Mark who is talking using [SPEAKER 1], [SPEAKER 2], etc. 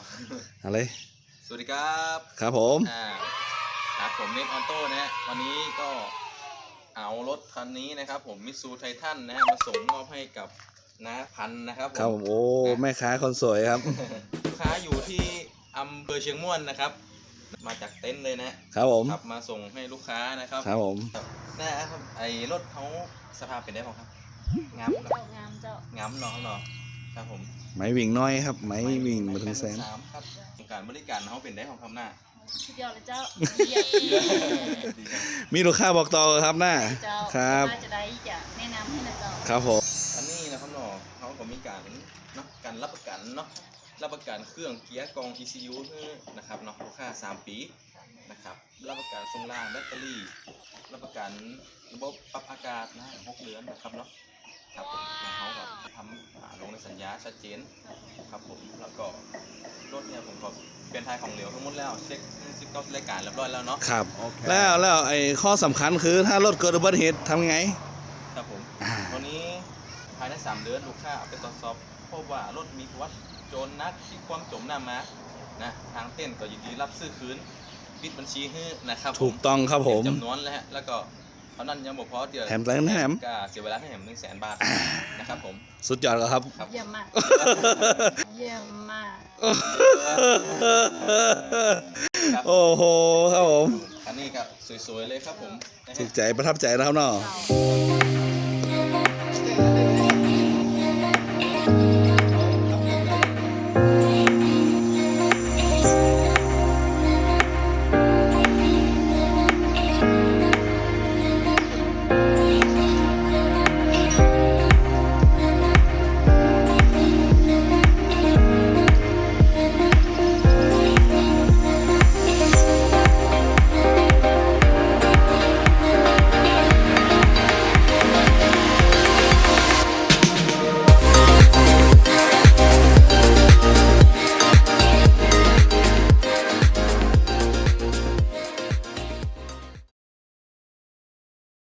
[SPEAKER 1] อะไร
[SPEAKER 2] สวัสดีครับ
[SPEAKER 1] ครับผม
[SPEAKER 2] ครับผมเน็ตออโต้นะฮะวันนี้ก็เอารถคันนี้นะครับผมมิตซูไททันนะฮะมาส่งมอบให้กับน้าพันนะครับ
[SPEAKER 1] ครับผมโอ้
[SPEAKER 2] นะ
[SPEAKER 1] แม่ค้าคนสวยครับ
[SPEAKER 2] ลูกค้าอยู่ที่อำเภอเชียงม่วนนะครับมาจากเต็นท์เลยนะครับ
[SPEAKER 1] ผม
[SPEAKER 2] ขับมาส่งให้ลูกค้านะครับ
[SPEAKER 1] ครับผม
[SPEAKER 2] นะครับไอ้รถเขาสภาพเป็นได้บ้างครับงามเนาะงามเนาะครับผม
[SPEAKER 1] ไม้วิ่งน้อยครับไม้วิ่งมาถึงแสน
[SPEAKER 2] ครับการบริการเขาเป็นได้ของคำหน้า
[SPEAKER 3] สุดยอดเลยเจ้า
[SPEAKER 1] มีลูกค้าบอกต่อครับหน้าครับ
[SPEAKER 3] จะได้จะแนะนำให้นะเจ้า
[SPEAKER 1] ครับผม
[SPEAKER 2] อันนี้นะครับเนาะเขาก็มีการเนาะการรับประกันเนาะรับประกันเครื่องเกียร์กอง ECU นะครับเนาะลูกค้า3 ปีนะครับรับประกันทรงล่างแบตเตอรี่รับประกันระบบปรับอากาศนะ6 เดือนนะครับเนาะครับผมเขาแบบทำลงในสัญญาชัดเจนครับผมแล้วก็รถเนี่ยผมก็เป็นทายของเหลวทั้งหมดแล้วเช็คซิปก็รายการเรียบร้อยแล้วเนาะ
[SPEAKER 1] ครับแล้วไอ้ข้อสำคัญคือถ้ารถเกิดอุบัติเหตุทำไง
[SPEAKER 2] ครับผมวันนี้ภายใน3 เดือนลูกค้าเอาไปตรวจสอบพบว่ารถมีประวัติโจรนักที่ความจมน้ำมานะทางเต้นก็ยินดีรับซื้อคืนปิดบัญชีให้นะครับ
[SPEAKER 1] ถูกต้องครับผม
[SPEAKER 2] จำนวนแล้วก็เท่านั้นยังบอกพอเดี๋ยว
[SPEAKER 1] แถมแถม
[SPEAKER 2] ก็เสียเวลาให้แถม100,000 บาทนะครับผม
[SPEAKER 1] สุดยอดครับ
[SPEAKER 3] เยี่ยมมากเยี่ยมมาก
[SPEAKER 1] โอ้โหครับผม
[SPEAKER 2] อันนี้ก็สวยๆเลยครับผม
[SPEAKER 1] ถูกใจประทับใจแล้วครับเนาะ